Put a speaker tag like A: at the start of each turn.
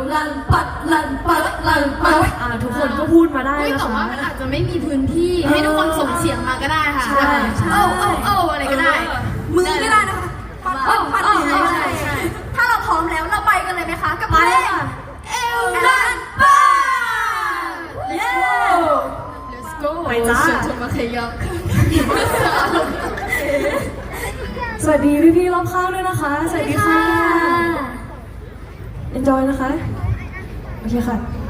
A: ลันปัดลันปัดลันปัด
B: ทุกคนก็พูดมาได้นะคะ
C: แต่ว่ามันอาจจะไม่มีพื้นที่ให้ทุกคนส่งเสียงมาก็ได้ค่ะ
B: ใช่
C: อะไรก็ได้
A: มือก็ได้นะคะปัดใช่ถ้าเราพร้อมแล้วเราไปกันเลยไหมคะกับเพลงเอลลันปัด
C: Let's go
B: ไปจ้า
C: ชมมาขยับ
B: สวัสดีพี่ๆรอบข้างด้วยนะคะ สวัสดีค่ะ enjoy นะคะ โอเคค่ะ